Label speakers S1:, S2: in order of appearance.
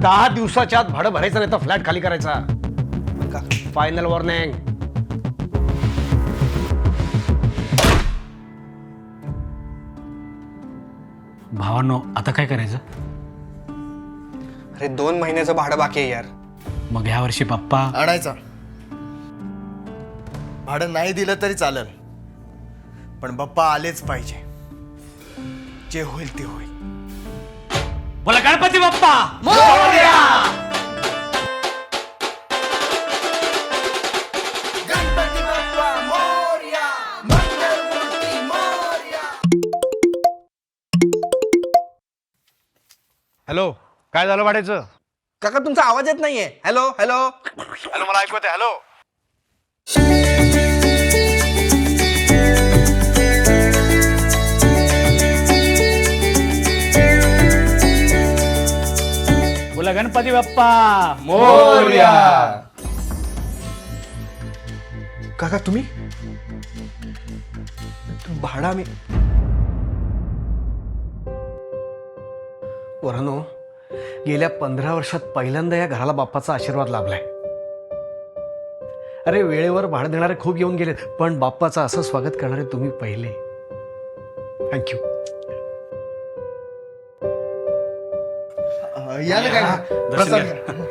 S1: 10 दिवसाच्या आत भाडं भरायचं नाही तर फ्लॅट खाली करायचा. Final warning.
S2: भावांनो, आता काय करायचं?
S3: अरे 2 महिन्याचं भाडं बाकी आहे यार.
S2: मग ह्या वर्षी पप्पा
S4: आणायचा. भाडं नाही दिलं तरी चालेल, पण बाप्पा आलेच पाहिजे. जे होईल ते होईल.
S2: बोला गणपती बाप्पा.
S1: हॅलो, काय झालं भाड्याचं?
S3: काका तुमचा आवाज येत नाहीये. Hello hello.
S1: हॅलो, मला ऐकू येते. हॅलो.
S2: बोला गणपती बाप्पा.
S3: काका तुम्ही भाडा मी
S1: वरानो, गेल्या 15 वर्षात पहिल्यांदा या घराला बाप्पाचा आशीर्वाद लाभलाय. अरे, वेळेवर भाडं देणारे खूप येऊन गेलेत, पण बाप्पाचं असं स्वागत करणारे तुम्ही पहिले. थँक्यू.
S4: या ना काय प्रसाद.